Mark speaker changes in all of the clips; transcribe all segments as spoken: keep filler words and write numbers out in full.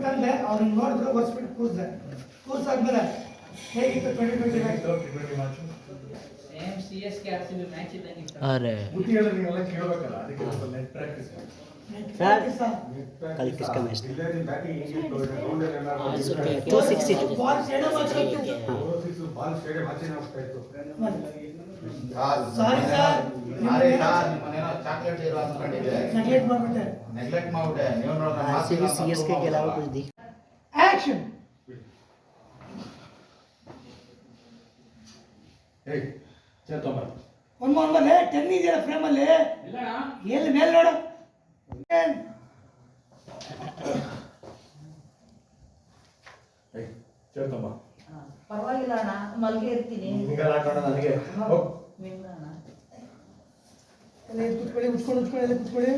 Speaker 1: ತಂದೆ ಅವ್ರನ್ನ ನೋಡಿದ್ರು ಒರೆಸ್ಬಿಟ್ಟು ಕೂರಿಸಿದೆ ಕೂರ್ಸಾದ್ಮೇಲೆ ಹೇಗಿತ್ತು twenty twenty match
Speaker 2: same C S K R C B match ಇದ್ದಂಗೆ ಇತ್ತು.
Speaker 3: अरे
Speaker 4: ಬುದ್ಧಿ ಹೇಳಿದ್ರೆ ನೀವೆಲ್ಲ ಕೇಳಬೇಕಲ್ಲ, ಅದಕ್ಕೆ ಸ್ವಲ್ಪ ನೆಟ್ ಪ್ರಾಕ್ಟೀಸ್
Speaker 3: सर कल किसका मैच था? आज okay two sixty two
Speaker 1: ball stadium ಹಾಕಿತ್ತು
Speaker 4: ಬಾಲ್ ಸ್ಟೇಡಿಯಂ ಆಚೆನೇ ಹೋಗ್ತಾ ಇತ್ತು.
Speaker 1: ಸಾರಿ ಸರ್
Speaker 5: ಸಾರಿ ಸರ್, ನಿಮ್ಮನೇನೋ ಚಾಕ್ಲೇಟ್ ಇರೋ ಅನ್ಕೊಂಡಿದ್ದೆ,
Speaker 1: ನೆಗ್ಲೆಕ್ಟ್ ಮಾಡ್ಬಿಟ್ಟೆ
Speaker 5: ನೆಗ್ಲೆಕ್ಟ್ ಮಾಡ್ಬಿಟ್ಟೆ. ನೀವು ನೋಡಿದ್ರೆ
Speaker 3: आरसीबी सीएसके के अलावा कुछ दिख
Speaker 1: ಆಕ್ಷನ್
Speaker 4: ಏಯ್ ಚೇತಮ್ಮ,
Speaker 1: ಒಂದು ಒಂದಲ್ಲೇ ಟೆನ್ ಇದೆಯಲ್ಲ ಫ್ರೇಮಲ್ಲಿ ಎಲ್ಲಿ ಮೇಲೆ ನೋಡು
Speaker 4: ಏಯ್ ಚೇತಮ್ಮ,
Speaker 6: ಪರವಾಗಿಲ್ಲ ಅಣ್ಣ, ಮಲ್ಗೆ ಇರ್ತೀನಿ.
Speaker 4: ನಿಂಗೆಲ್ಲ ಹಾಕೋಣ ನನಗೆ. ಹೋಗ್.
Speaker 6: ನಿನ್ನ ಅಣ್ಣ.
Speaker 1: ಎಲ್ಲ ಎದ್ದು ಕೂತ್ಕೊಳ್ಳಿ ಉಚ್ಕೊಂಡು ಉಚ್ಕೊಂಡು ಎಲ್ಲ ಕೂತ್ಕೊಳ್ಳಿ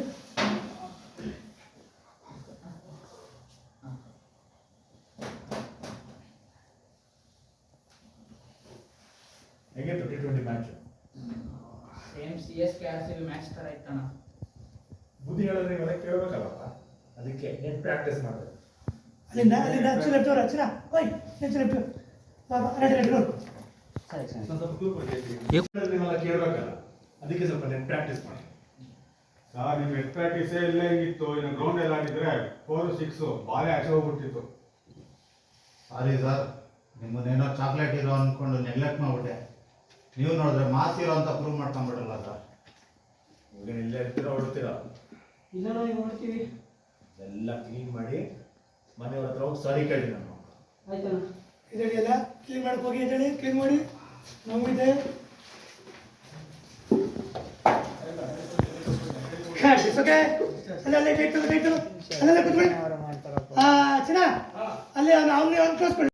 Speaker 4: ಹೇಗಿತ್ತು T twenty match?
Speaker 2: Same C S K R C B match ತರ ಇತ್ತಣ್ಣ.
Speaker 4: ಬುದ್ಧಿ ಹೇಳಿದ್ರೆ ನೀವೆಲ್ಲ ಕೇಳಬೇಕಲ್ಲಪ್ಪ, ಅದಕ್ಕೆ ನೆಟ್ ಪ್ರಾಕ್ಟೀಸ್ ಮಾಡಿದೆ.
Speaker 1: ಅಲ್ಲಿಂದ ಅಲ್ಲಿಂದ ಹಚ್ಚು ಲೆಫ್ಟ್ ಅವ್ರು ಹಚ್ಚಿನ ಓಯ್ ಹಚ್ಚು ಲೆಫ್ಟ್ ಬಾಬಾ ರೆಡಿ ರೆಡಿ ನೋಡು
Speaker 4: ಸ್ವಲ್ಪ ಕ್ಲೂ ಕೊಡಿ. ನೀವೆಲ್ಲ ಕೇಳಬೇಕಲ್ಲ, ಅದಕ್ಕೆ ಸ್ವಲ್ಪ ನೆಟ್ ಪ್ರಾಕ್ಟೀಸ್ ಮಾಡಿ.
Speaker 7: ಸರ್ ನಿಮ್ಮ ನೆಟ್ ಪ್ರಾಕ್ಟೀಸೇ ಇಲ್ಲ ಹೆಂಗಿತ್ತು, ಇನ್ನು ಗ್ರೌಂಡ್ ಎಲ್ಲ ಆಡಿದ್ರೆ ಫೋರ್ ಸಿಕ್ಸ್ ಬಾಲೇ ಆಚೆ ಹೋಗ್ಬಿಡ್ತಿತ್ತು.
Speaker 5: ಸಾರಿ ಸರ್, ನಿಮ್ಮನ್ನೇನೋ ಚಾಕ್ಲೇಟ್ ಇರೋ ಅನ್ಕೊಂಡು ನೆಗ್ಲೆಕ್ಟ್ ಮಾಡ್ಬಿಟ್ಟೆ. ನೀವು ನೋಡಿದ್ರೆ ಮಾಸ್ ಇರೋ ಅಂತ ಪ್ರೂವ್ ಮಾಡ್ಕೊಂಡ್ಬಿಡಲ್ಲ ಸರ್.
Speaker 4: ಈಗ ಇಲ್ಲೇ ಇರ್ತೀರಾ ಹೊಡ್ತೀರಾ?
Speaker 1: ಇಲ್ಲ ನಾವು ನೋಡ್ತೀವಿ
Speaker 4: ಎಲ್ಲ ಕ್ಲೀನ್ ಮಾಡಿ ಮನೆಯವ್ರ ಹತ್ರ ಹೋಗಿ ಸಾರಿ ಕೇಳಿ. ನಾನು
Speaker 1: ಆಯ್ತಣ್ಣ ಇದರಲ್ಲಿ ಎಲ್ಲ ಕ್ಲೀನ್ ಮಾಡಕ್ಕೆ ಹೋಗಿ ಹೇಳಿ ಕ್ಲೀನ್ ಮಾಡಿ ನಮಗಿದೆ ಓಕೆ ಅಲ್ಲೇ ಅಲ್ಲೇ ಡೇಟ್ ಡೇಟು ಅಲ್ಲೆಲ್ಲ ಕೂತ್ಕೊಳ್ಳಿ ಹಾಂ ಚಿನ್ನ ಅಲ್ಲೇ ಅವ್ನು ಅವ್ನು ಅವ್ನು ಕಳಿಸ್ಕೊಳ್ಳಿ.